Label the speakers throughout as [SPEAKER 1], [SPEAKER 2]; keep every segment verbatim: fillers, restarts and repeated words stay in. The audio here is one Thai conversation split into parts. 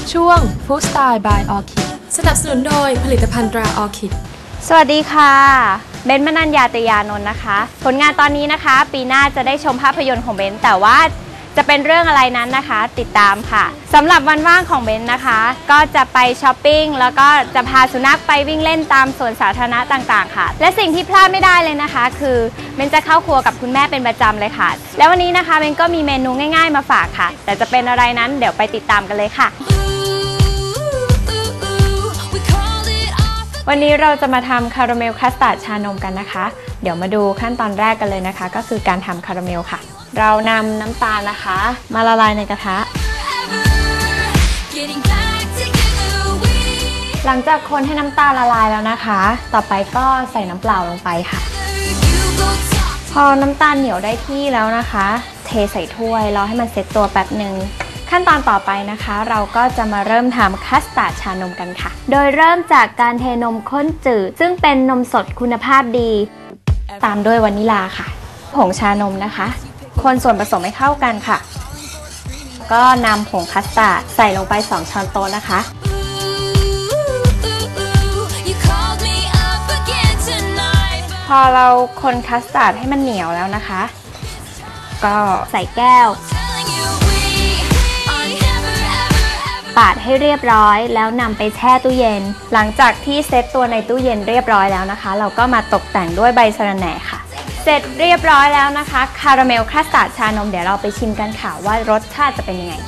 [SPEAKER 1] ช่วง Food Style by Orchid สนับสนุนโดยผลิตภัณฑ์ตรา Orchid
[SPEAKER 2] สวัสดีค่ะเบนซ์ มนัญญา ตยานนท์นะคะผลงานตอนนี้นะคะปีหน้าจะได้ชมภาพยนตร์ของเบนซ์แต่ว่าจะเป็นเรื่องอะไรนั้นนะคะติดตามค่ะสำหรับวันว่างของเบนซ์นะคะก็จะไปช้อปปิ้งแล้วก็จะพาสุนัขไปวิ่งเล่นตามสวนสาธารณะต่างๆค่ะและสิ่งที่พลาดไม่ได้เลยนะคะคือเบนซ์จะเข้าครัวกับคุณแม่เป็นประจำเลยค่ะแล้ววันนี้นะคะเบนซ์ก็มีเมนูง่ายๆมาฝากค่ะแต่จะเป็นอะไรนั้นเดี๋ยวไปติดตามกันเลยค่ะวันนี้เราจะมาทำคาราเมลคัสตาร์ดชานมกันนะคะเดี๋ยวมาดูขั้นตอนแรกกันเลยนะคะก็คือการทำคาราเมลค่ะเรานำน้ำตาลนะคะมาละลายในกระทะหลังจากคนให้น้ำตาลละลายแล้วนะคะต่อไปก็ใส่น้ำเปล่าลงไปค่ะพอน้ำตาลเหนียวได้ที่แล้วนะคะเทใส่ถ้วยรอให้มันเซ็ตตัวแป๊บหนึ่งขั้นตอนต่อไปนะคะเราก็จะมาเริ่มทำคัสตาร์ดชานมกันค่ะโดยเริ่มจากการเทนมข้นจืดซึ่งเป็นนมสดคุณภาพดีตามด้วยวานิลาค่ะผงชานมนะคะคนส่วนผสมให้เข้ากันค่ะก็นำผงคัสตาร์ดใส่ลงไปสองช้อนโต๊ะนะคะพอเราคนคัสตาร์ดให้มันเหนียวแล้วนะคะก็ใส่แก้วปาดให้เรียบร้อยแล้วนำไปแช่ตู้เย็นหลังจากที่เซตตัวในตู้เย็นเรียบร้อยแล้วนะคะเราก็มาตกแต่งด้วยใบสะระแหน่ค่ะเสร็จเรียบร้อยแล้วนะคะคาราเมลคัสตาร์ดชานมเดี๋ยวเราไปชิมกันค่ะว่ารสชาติจะเป็นยังไง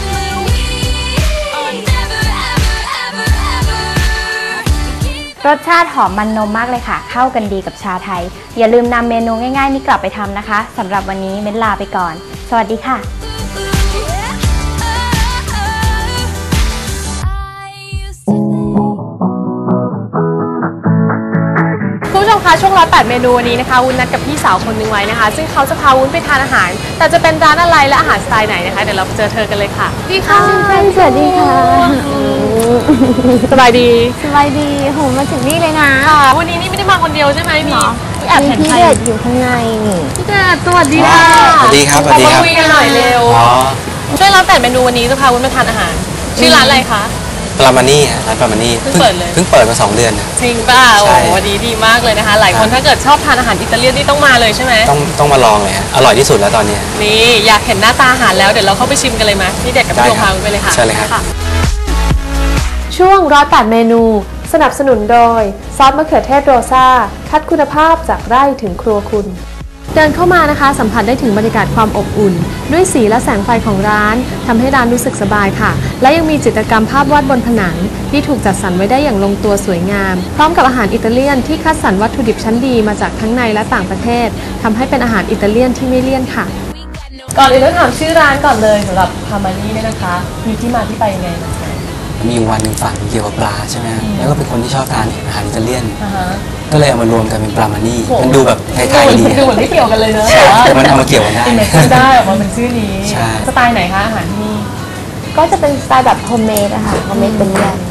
[SPEAKER 2] รสชาติหอมมันนมมากเลยค่ะเข้ากันดีกับชาไทยอย่าลืมนำเมนูง่ายๆนี้กลับไปทำนะคะสำหรับวันนี้เบนลาไปก่อนสวัสดีค่ะ
[SPEAKER 1] ช่วงร้อยแปดเมนูวันนี้นะคะวุ้นนัดกับพี่สาวคนนึงไว้นะคะซึ่งเขาจะพาวุ้นไปทานอาหารแต่จะเป็นร้านอะไรและอาหารสไตล์ไหนนะคะเดี๋ยวเราไปเจอเธอกันเลยค่ะดีค่ะ
[SPEAKER 2] สวัสดีค่ะ
[SPEAKER 1] สบายดี
[SPEAKER 2] สบายดีโหมาถึงนี่เลยนะ
[SPEAKER 1] วันนี้นี่ไม่ได้มาคนเดียวใช่ไหมพี่แอบเห็น
[SPEAKER 2] พี่เด็ดอยู่ข้างในนี่
[SPEAKER 1] พี่เด็ดสวัสดีค่ะ
[SPEAKER 3] สวัสดีครับสวัสดีครับ
[SPEAKER 1] คุยกันหน่อยเร็วช่วยร้านแปดเมนูวันนี้จะพาวุ้นไปทานอาหารชื่อร้านอะไรคะ
[SPEAKER 3] ปรามานี่ร้านปรามานี่เพิ่งเปิดเลยเพิ่งเปิดมาสองเดือน
[SPEAKER 1] จริงป่ะโอ้วันนี้ดีมากเลยนะคะหลายคนถ้าเกิดชอบทานอาหารอิตาเลียนนี่ต้องมาเลยใช่ไหม
[SPEAKER 3] ต้องต้องมาลองเลยอร่อยที่สุดแล้วตอนนี้
[SPEAKER 1] นี่อยากเห็นหน้าตาอาหารแล้วเดี๋ยวเราเข้าไปชิมกันเลยไหมพี่เด็กกับพี่โยพาไปเลยค่ะ
[SPEAKER 3] ใช่เลยครับ
[SPEAKER 1] ช่วงร้อยแปดเมนูสนับสนุนโดยซอสมะเขือเทศโรซ่าคัดคุณภาพจากไร่ถึงครัวคุณเดินเข้ามานะคะสัมผัสได้ถึงบรรยากาศความอบอุ่นด้วยสีและแสงไฟของร้านทำให้ร้านรู้สึกสบายค่ะและยังมีจิตรกรรมภาพวาดบนผนังที่ถูกจัดสรรไว้ได้อย่างลงตัวสวยงามพร้อมกับอาหารอิตาเลียนที่คัดสรรวัตถุดิบชั้นดีมาจากทั้งในและต่างประเทศทำให้เป็นอาหารอิตาเลียนที่ไม่เลี่ยนค่ะก่อนอื่นต้องถามชื่อร้านก่อนเลยสำหรับพามานี่เนี่ยนะคะมีที่มาที่ไปยังไง
[SPEAKER 3] มีวันหนึ่งฝันเกี่ยวกับปลาใช่ไหมแล้วก็เป็นคนที่ชอบทานอาหารอิตาเลียนก็เลยเอามารวมกันเป็นปรามานี่มันดูแบบไทยๆดี
[SPEAKER 1] ดูเหมือนไม่เกี่ยวกันเลยเนอะ
[SPEAKER 3] แต่มันเอามาเกี่ยวกันได้
[SPEAKER 1] ได้ออกมาเป็นชื่อนี้สไตล์ไหนคะอาหารที่นี่
[SPEAKER 2] ก็จะเป็นสไตล์แบบโฮมเมดอะค่ะโฮมเมดเป็นเรื่อง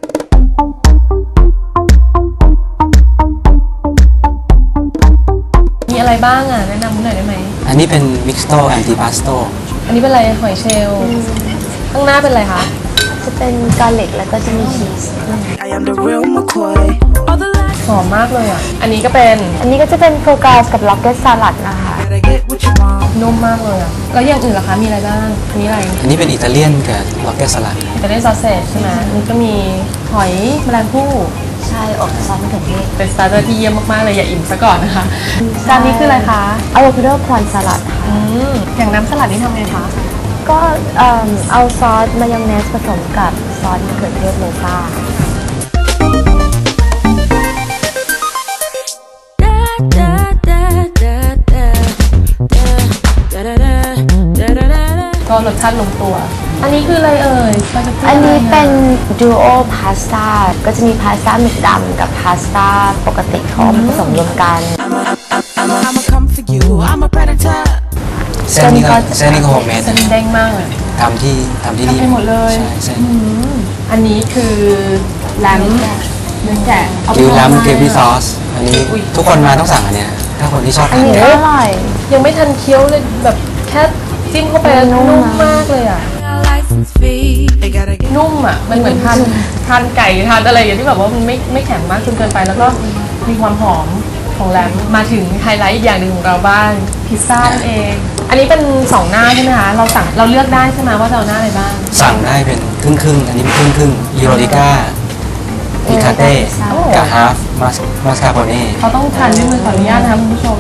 [SPEAKER 1] มีอะไรบ้างอ่ะแนะนำหน่อยได้ไหม
[SPEAKER 3] อันนี้เป็นมิกซ์โตแอนติพาสโต
[SPEAKER 1] อันนี้เป็นอะไรหอยเชลล์ข้างหน้าเป็นอะไรคะ
[SPEAKER 2] จะเป็นกาลิกแล้วก็จะมีชีส
[SPEAKER 1] หอมมากเลยอ่ะอันนี้ก็เป็น
[SPEAKER 2] อันนี้ก็จะเป็นโฟกัสกับล็อกเก็ตสลัดนะคะ
[SPEAKER 1] นุ่มมากเลยอ่ะแล้วอย่างอื่นล่ะคะมีอะไรบ้างอันนี้อะไร
[SPEAKER 3] อันนี้เป็นอิตาเลียนกับล็อกเก็ตสลัด
[SPEAKER 1] อิตาเลียนซอสเซจใช่ไหมนี่ก็มีหอยแมลงภู่
[SPEAKER 2] ใช่อบซอสมะเขือเทศ
[SPEAKER 1] เป็นสตาร์เตอร์ที่เยี่ยมมากๆเลยอย่าอิ่มซะก่อนนะคะจานนี้คืออะไรคะ
[SPEAKER 2] อะโวคาโดพรอนสลัด
[SPEAKER 1] อืมอย่างน้ำสลัดนี่ทำไงคะ
[SPEAKER 2] ก็เอาซอสมายองเนสผสมกับซอสมะเขือเทศโรซ่า
[SPEAKER 1] ก็รสชาติลงตัวอันนี้คืออะไรเอ่ย
[SPEAKER 2] อันนี้เป็นดูโอพาสต้าก็จะมีพาสต้าหมึกดำกับพาสต้าปกติเขาผสมรวมกัน
[SPEAKER 3] เส้นนี้ก็เส้นนี้ก็โฮมเมด
[SPEAKER 1] เส้นเด้งมาก
[SPEAKER 3] ทำที่ทำที่นี่
[SPEAKER 1] ทำให้หมดเลย
[SPEAKER 3] ใช่
[SPEAKER 1] อันนี้คือแลมเนื้อแกะ
[SPEAKER 3] ยูแลมเกรวี่ซอสอันนี้ทุกคนมาต้องสั่งอันเนี้ยถ้าคนที่ชอบทาน
[SPEAKER 2] เนื้ออร่อย
[SPEAKER 1] ยังไม่ทันเคี้ยวเลยแบบแค่จิ้มเข้าไปแล้วนุ่มมากเลยอ่ะนุ่นุ่มอ่ะมันเหมือนทานทานไก่ทานอะไรอย่างที่แบบว่ามันไม่ไม่แข็งมากจนเกินไปแล้วก็มีความหอมของแรมมาถึงไฮไลท์อีกอย่างหนึ่งของเราบ้างพิซซ่านั่นเองอันนี้เป็นสองหน้าใช่ไหมคะเราสั่งเราเลือกได้ใช่ไหมว่าจะเอาหน้าอะไรบ้าง
[SPEAKER 3] สั่งได้เป็นครึ่งครึ่งๆอันนี้เป็นครึ่งครึ่งอีโรติก้าพิคาเต้กับฮาฟมัสมัสคาโปเน่
[SPEAKER 1] เขาต้องทานด้วยมือขออนุญาตนะคะคุณผู้ชม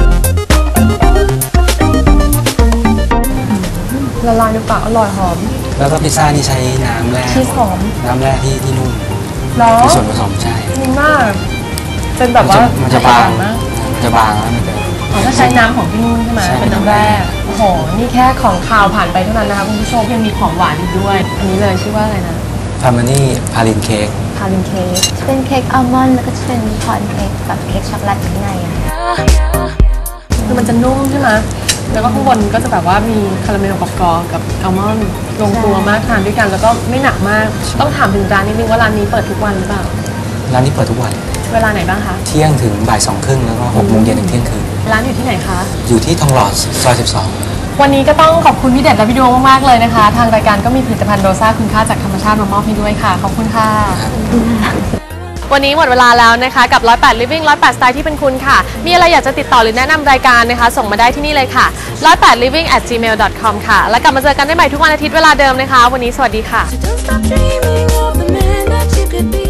[SPEAKER 1] ละลายในปากอร่อยหอม
[SPEAKER 3] แล้วก็พิซซ่านี่ใช้น้ำแร่
[SPEAKER 1] ชีสหอม
[SPEAKER 3] น้ำแร่ที่ที่นุ่ม
[SPEAKER 1] มี
[SPEAKER 3] ส่วนผสมใช่
[SPEAKER 1] นุ่มมากเป็นแบบว่า
[SPEAKER 3] มันจะบางมันจะบางแล้วมันจะ
[SPEAKER 1] อ๋อถ้าใช้น้ำของที่นู่นใช่ไหมเป็นน้ำแร่โอ้โหนี่แค่ของคาวผ่านไปเท่านั้นนะคะคุณผู้ชมยังมีของหวานอีกด้วยอันนี้เลยชื่อว่าอะไรนะ
[SPEAKER 3] พาร์มานี่พาลินเค้ก
[SPEAKER 1] พาลินเค้ก
[SPEAKER 2] เป็นเค้กอัลมอนด์แล้วก็จะเป็นพอนเค้กแบบเค้กช็อกโกแลตข้างในอะ
[SPEAKER 1] คือมันจะนุ่มใช่ไหมแล้วก็ข้างบนก็จะแบบว่ามีคาราเมลกรอบๆกับอัลมอนด์ลงตัวมากทานด้วยกันแล้วก็ไม่หนักมากต้องถามถึงร้านนิดนึงว่าร้านนี้เปิดทุกวันหรือเปล่า
[SPEAKER 3] ร้านนี้เปิดทุกวัน
[SPEAKER 1] เวลาไหนบ้างคะ
[SPEAKER 3] เที่ยงถึงบ่ายสองครึ่งแล้วก็หกโมงเย็นถึงเที่ยงคืน
[SPEAKER 1] ร้านอยู่ที่ไหนคะ
[SPEAKER 3] อยู่ที่ทองหล่อซอยสิบสอง
[SPEAKER 1] วันนี้ก็ต้องขอบคุณพี่เด็ดและพี่ดวงมากๆเลยนะคะทางรายการก็มีผลิตภัณฑ์โรซ่าคุณค่าจากธรรมชาติมามอบให้ด้วยค่ะขอบคุณค่ะวันนี้หมดเวลาแล้วนะคะกับหนึ่งร้อยแปด Living หนึ่งร้อยแปด สไตล์ที่เป็นคุณค่ะมีอะไรอยากจะติดต่อหรือแนะนำรายการนะคะส่งมาได้ที่นี่เลยค่ะหนึ่งร้อยแปด living at gmail dot com ค่ะแล้วกลับมาเจอกันได้ใหม่ทุกวันอาทิตย์เวลาเดิมนะคะวันนี้สวัสดีค่ะ